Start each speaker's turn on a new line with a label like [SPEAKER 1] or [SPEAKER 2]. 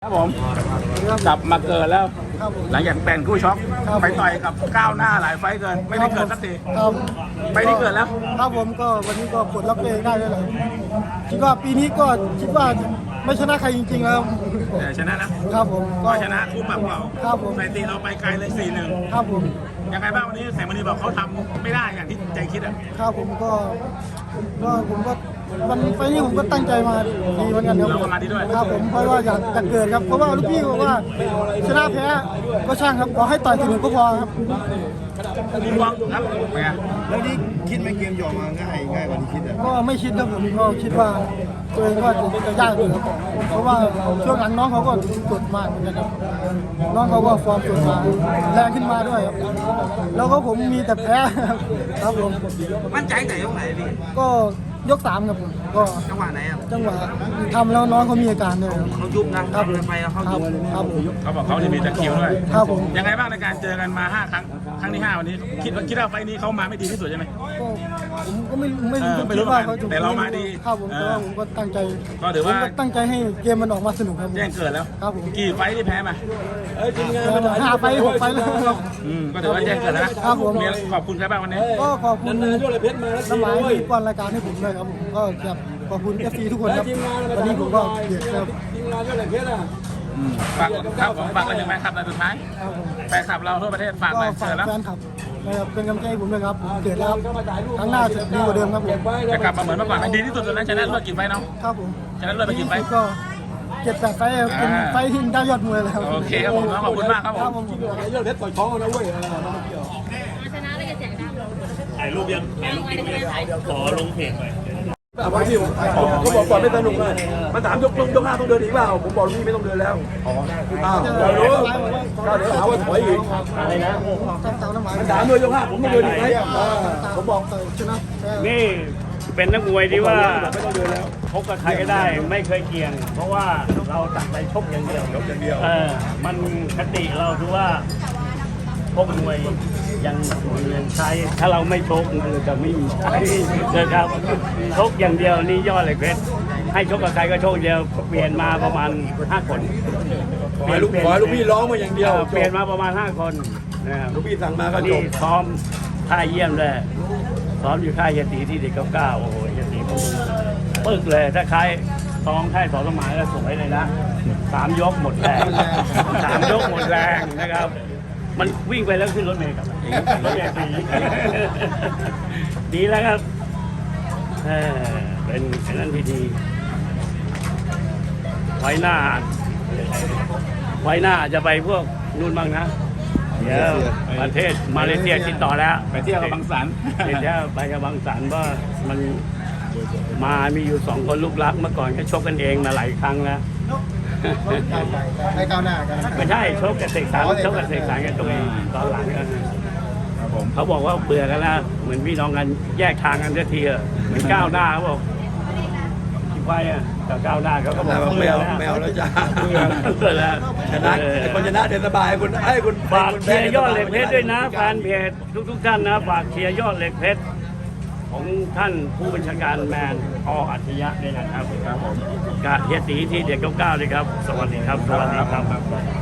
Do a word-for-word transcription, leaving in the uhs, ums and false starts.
[SPEAKER 1] ครับผมกลับมาเกิดแล้วหลังจากเป็นคู่ช็อคไปต่อยกับก้าวหน้าหลายไฟเกินไม่ได้เกิดสักทีไปที่เกิดแล้ว
[SPEAKER 2] ครับผมก็วันนี้ก็ปลดล็อกตัวเองได้แล้วแหละคิดว่าปีนี้ก็คิดว่าไม่ชนะใครจริงๆแล้ว
[SPEAKER 1] แต่ชนะนะครับ
[SPEAKER 2] ผม
[SPEAKER 1] ก็ชนะคู่ปรับเรา
[SPEAKER 2] ครับผม
[SPEAKER 1] สถิติเราไปไกลเลย สี่หนึ่ง
[SPEAKER 2] ครับผม
[SPEAKER 1] ยังไงบ้างวันนี้แสงมณีบอกเขาทำไม่ได้อย่างที่ใจคิดอ่ะ
[SPEAKER 2] ครับผมก็ก็ผมก็วันไฟนี้ผมก็ตั้งใจมาดีเหมือนกันครับ
[SPEAKER 1] เราก็มาดีด้วย
[SPEAKER 2] ครับผมเพราะว่าอยากจะเกิดครับเพราะว่าลูกพี่บอกว่าชนะแพ้ก็ช่างครับขอให้ต่อยสนุกก็พอครับ
[SPEAKER 1] มีหวังครับ
[SPEAKER 3] แล้วนี่คิดไหมเกมยอมมาง่ายง่ายกว่าที่คิดอ่ะ
[SPEAKER 2] ก็ไม่คิดครับผมก็คิดว่าตัวเองว่าจะยากอยู่ครับเพราะว่าช่วงหลังน้องเขาก็กดมากเหมือนกันครับน้องเขาก็ฟอร์มสดมาแรงขึ้นมาด้วยครับแล้วก็ผมมีแต่แพ้ครับผม
[SPEAKER 1] มั่นใจแต่ยกไหนพี่
[SPEAKER 2] ก็ยกสามครับผมก็
[SPEAKER 1] จังหวะไหนครับ
[SPEAKER 2] จังหวะทำแล้วน้องเขามีอาการด้วย
[SPEAKER 1] เขายุบนะครับไปเขายุบ
[SPEAKER 2] ครับผม
[SPEAKER 1] เขาบอกเขาจะมีตะคิวด้วย
[SPEAKER 2] ครับผม
[SPEAKER 1] ยังไงบ้างในการเจอกันมาห้าครั้งครั้งที่ห้าวันนี้คิดว่าคิดว่าไฟนี้เขามาไม่ดีที่สุดใช่ไหม
[SPEAKER 2] ก็ผมก็ไม่ไม่
[SPEAKER 1] ไม่รู้ว่าเขาแต่เรามาดี
[SPEAKER 2] ครับผมแต่ว่าผมก็ตั้งใจ
[SPEAKER 1] ก็ถือว่า
[SPEAKER 2] ตั้งใจให้เกมมันออกมาสนุกครับ
[SPEAKER 1] แจ้งเกิดแล้ว
[SPEAKER 2] ครับผม
[SPEAKER 1] กี่ไฟที่แพ้มา
[SPEAKER 2] เอ้ยจริงๆห้าไฟหกไฟแล้ว
[SPEAKER 1] อืมก็ถือว่าแจ้งเกิดแล้วนะครับผมขอบคุณใครบ้างวันนี้
[SPEAKER 2] ก็ขอบคุณน้ำหมายที่ป้อนรายการให้ผมด้วยครับผมก็แบบขอบคุณ เอฟ ซี ทุกคนครับวันนี้ผมก็เกียรติครับ
[SPEAKER 1] ฝากครับฝากอะไรถึงแฟนคลับในสุดท้ายแฟนคลับเราทั่วประเทศฝากอะไรเกิดแล้ว
[SPEAKER 2] แฟนคลับเป็นกำลังใจให้ผมด้วยครับเกิดแล้วครั้งหน้าจะดีกว่าเดิมครับผม
[SPEAKER 1] จะกลับมาเหมือนเมื่อก่อนดีที่สุดตอนนั้นชนะเลิศกี่ไฟน้อง
[SPEAKER 2] ครับผม
[SPEAKER 1] ชนะเลิศไปกี่ไฟ
[SPEAKER 2] ก็เจ็ดแปดไฟเป็นไฟที่ได้ยอดมวยแล้ว
[SPEAKER 1] โอเคครับผมขอบคุณมากครับผม
[SPEAKER 3] เรื่องเพชรต่อยท้องนะเว้ย
[SPEAKER 4] ชนะได้แจกได้
[SPEAKER 5] ถ่ายรูปยังถ่ายรูปกินเลยขอลงเพจไป
[SPEAKER 3] วันที่ผมเขาบอกก่อนไม่สนุกเลยมันถามยกยกห้าต้องเดินอีกเปล่าผมบอกพี่ไม่ต้องเดินแล้วอ้าวเรารู้ก็เดี๋ยวหาว่าถอยอีกอะไรนะมันถามด้วยยกห้าผมต้องเดินอีกไหมผมบอกชนะ
[SPEAKER 5] นี่เป็นนักมวยที่ว่าชกกับใครก็ได้ไม่เคยเกี่ยงเพราะว่าเราตัดไปชกอย่างเดียว
[SPEAKER 3] ชกอย่างเดียว
[SPEAKER 5] เออมันคติเราคือว่าชกมวยยังยังใช้ถ้าเราไม่ชกมันจะไม่มีใช้นะครับชกอย่างเดียวนี่ยอดเลยเพชรให้ชกกับใครก็ชกเดียวเปลี่ยนมาประมาณห้าคน
[SPEAKER 3] ขอลูกขอลูกพี่ร้องมาอย่างเดียว
[SPEAKER 5] เปลี่ยนมาประมาณห้าคน
[SPEAKER 3] นะครับลูกพี่สั่งมาก็จบ
[SPEAKER 5] ซ้อมท่าเยี่ยมเลยซ้อมอยู่ค่ายยตีที่เด็กเก้าเก้าโอ้โหยตีปึ๊กเลยถ้าใครซ้อมค่ายสอนสมัยแล้วสวยเลยนะสามยกหมดแรงสามยกหมดแรงนะครับมันวิ่งไปแล้วขึ้นรถเมล์กับรถเมล์ดีดีแล้วครับเป็นเป็นนั้นที่ดีไว้หน้าไว้หน้าจะไปพวกนู่นบ้างนะเดี๋ยวประเทศมาเลเซียติดต่อแล้ว
[SPEAKER 1] ไปเที่ยวกับบางสัน
[SPEAKER 5] ไปเที่ยวไปกับบางสันว่ามันมามีอยู่สองคนลูกรักเมื่อก่อนก็ชกกันเองมาหลายครั้งแล้ว
[SPEAKER 3] ให้ก้าวหน้ากัน
[SPEAKER 5] ไม่ใช่ชกกับเสกสรรชกกับเสกสรรกันตัวเองตอนหลังกันเขาบอกว่าเบื่อกันแล้วเหมือนพี่น้องกันแยกทางกันเสียทีเหมือนก้าวหน้าเขาบอกที่ไปอ่ะกับก้าวหน้าเขาก็บอก
[SPEAKER 3] ไม่เอาไม่เอาแล้วจ้า
[SPEAKER 5] เบื่อแล้ว
[SPEAKER 3] ชนะคนชนะเดินสบายคุณให้คุณ
[SPEAKER 5] ฝากเชียร์ยอดเหล็กเพชรด้วยนะแฟนเพจทุกๆท่านนะฝากเชียร์ยอดเหล็กเพชรของท่านผู้บัญชาการแมนอ.อัจฉริยะด้วยนะครับครับผมกาเฮียตีที่เด็กเก้าเก้าเลยครับสวัสดีครับสวัสดีครับ